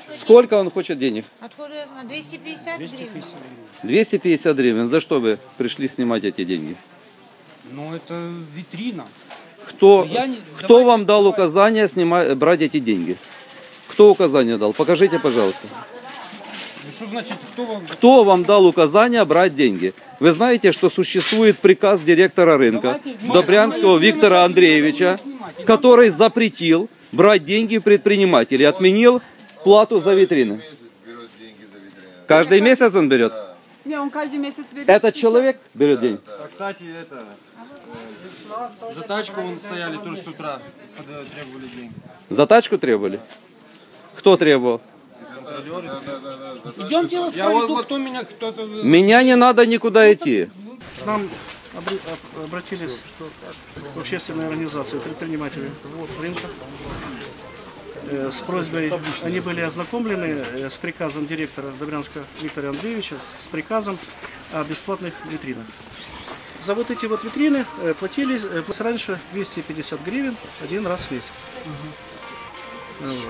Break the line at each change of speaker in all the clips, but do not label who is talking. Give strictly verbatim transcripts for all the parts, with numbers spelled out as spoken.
Сколько он хочет денег?
Откуда я знаю? двести пятьдесят гривен.
двести пятьдесят гривен. За что вы пришли снимать эти деньги?
Ну, это витрина.
Кто,
Я не-
кто
давайте-
вам дал указание снимать, брать эти деньги? Кто указание дал? Покажите, пожалуйста.
Ну, что значит, кто вам...
Кто вам дал указание брать деньги? Вы знаете, что существует приказ директора рынка
Давайте,
Добрянского
мы-
Виктора
мы-
Андреевича,
снимать.
который запретил брать деньги предпринимателей, отменил плату за витрины. Каждый месяц он берет?
Не, он каждый месяц берет.
Этот человек берет деньги?
А, кстати, это, э, за тачку вон стояли тоже с утра, когда требовали деньги.
За тачку требовали? Кто требовал?
Контролеры.
Идемте, я вас
Я
проведу,
вот-
кто меня... кто-то...
Меня не надо никуда идти.
К нам обр- об- обратились в общественную организацию предпринимателей рынка э, с просьбой, они были ознакомлены э, с приказом директора Добрянского Виктора Андреевича, с приказом о бесплатных витринах. За вот эти вот витрины э, платили э, раньше двести пятьдесят гривен один раз в месяц. Вот.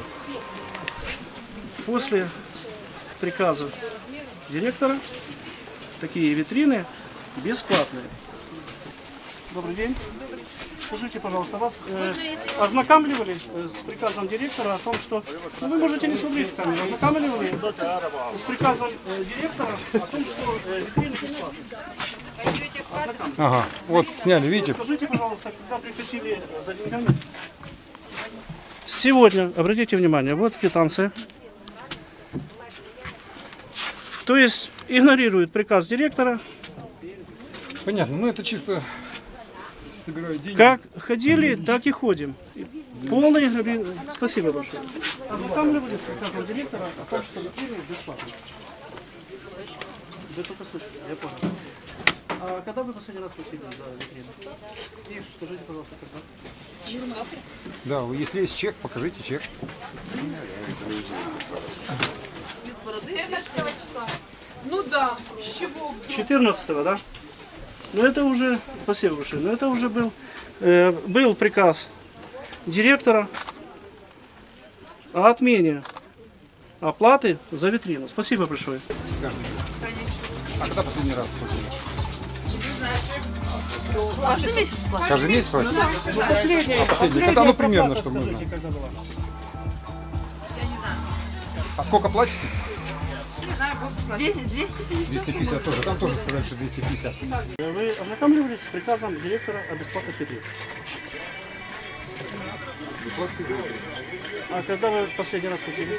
После приказа директора такие витрины бесплатные. Добрый день. Скажите, пожалуйста, вас э, ознакомливали э, с приказом директора о том, что... Ну, вы можете не смотреть в камеру. Ознакомливали с приказом э, директора о том, что э, витрины бесплатные. Ознакомливали.
Ага, вот сняли, видите?
Скажите, пожалуйста, когда приходили за деньгами? Сегодня, обратите внимание, вот квитанция. То есть игнорирует приказ директора.
Понятно, ну это чисто собирают деньги.
Как ходили, так и ходим. Полный игнори- Спасибо большое. Ознакомливались с приказом директора о том, что витрины бесплатные. Вы только слышите, я понял. А когда вы последний раз платили за витрину? Скажите, пожалуйста, когда?
Да, если есть чек, покажите чек.
Ну да, с чего?
четырнадцатого, да? Ну это уже, спасибо большое, но это уже был, э, был приказ директора о отмене оплаты за витрину. Спасибо большое.
А когда последний раз платили?
Каждый месяц платят.
Каждый месяц платили?
Ну, последняя,
А последняя, когда, ну, примерно, чтобы
скажите,
нужно.
когда была?
А сколько платите?
двести пятьдесят.
двести пятьдесят тоже. Там тоже сказали, что двести пятьдесят.
Вы ознакомливались с приказом директора о бесплатных витринах? А когда вы последний раз платили?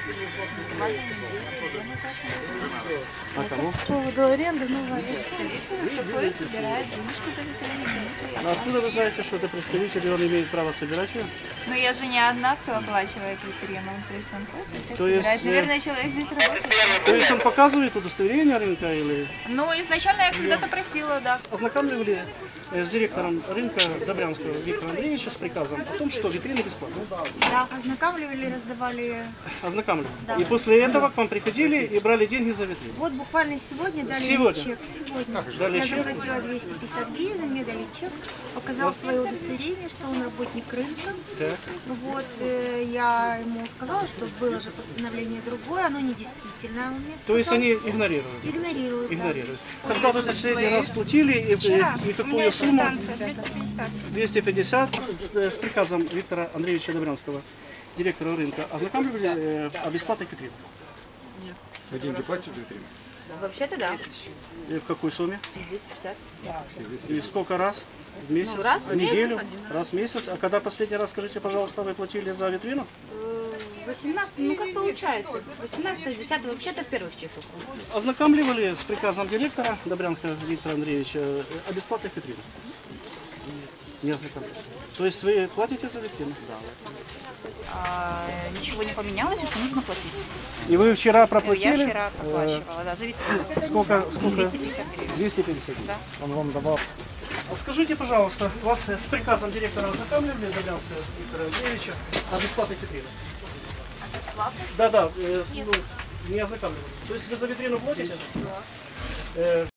А кому?
По поводу аренды, ну, столица приходит, собирает денежку за витрины.
А откуда вы знаете, что это представитель, и он имеет право собирать ее?
Но я же не одна, кто оплачивает витрину. То есть он ходит и всех
То есть,
собирает.
э,
Наверное, человек здесь работает.
То есть он показывает удостоверение рынка или...
Ну, изначально я когда-то просила, да.
Ознакомливали э, с директором рынка Добрянского Виктора Андреевича с приказом о том, что витрины бесплатные.
Да, ознакомливали, раздавали.
Ознакомливали. И после этого к вам приходили и брали деньги за витрину.
Вот буквально сегодня дали
Сегодня?
мне чек. Сегодня.
Дали
Я
чек?
заплатила двести пятьдесят гривен, мне дали чек, показал свое удостоверение, что он работник рынка.
Так.
Вот, э, я ему сказала, что было же постановление другое, оно недействительное. Он мне
То есть
сказал.
они игнорируют?
Игнорируют, да.
Игнорируют. Когда вы последний раз платили и, и, и какую сумму?
двести пятьдесят.
двести пятьдесят с, с приказом Виктора Андреевича Добрянского, директора рынка, ознакомливали э, о бесплатных витринах.
Вы деньги платите за витрину?
Вообще-то да.
И в какой сумме?
двести пятьдесят.
И сколько раз? В месяц?
Ну, раз в
в неделю?
месяц, один
Раз в месяц. А когда последний раз, скажите, пожалуйста, вы платили за витрину?
восемнадцать, ну как получается? восемнадцатого, десятого, вообще-то в первых числах.
Ознакомливали с приказом директора Добрянского Виктора Андреевича о бесплатных витринах? Не ознакомились. То есть вы платите за витрину?
А, ничего не поменялось, что нужно платить.
И вы вчера
Я
проплатили?
вчера проплачивала, да, за витрину.
Сколько? сколько?
двести пятьдесят гривен.
двести пятьдесят.
Да.
Он вам давал. А скажите, пожалуйста, вас с приказом директора ознакомливали Добрянского Виктора Андреевича о бесплатных витринах?
Бесплатно?
Да, да, э, ну, не ознакомливали. То есть вы за витрину платите? Да.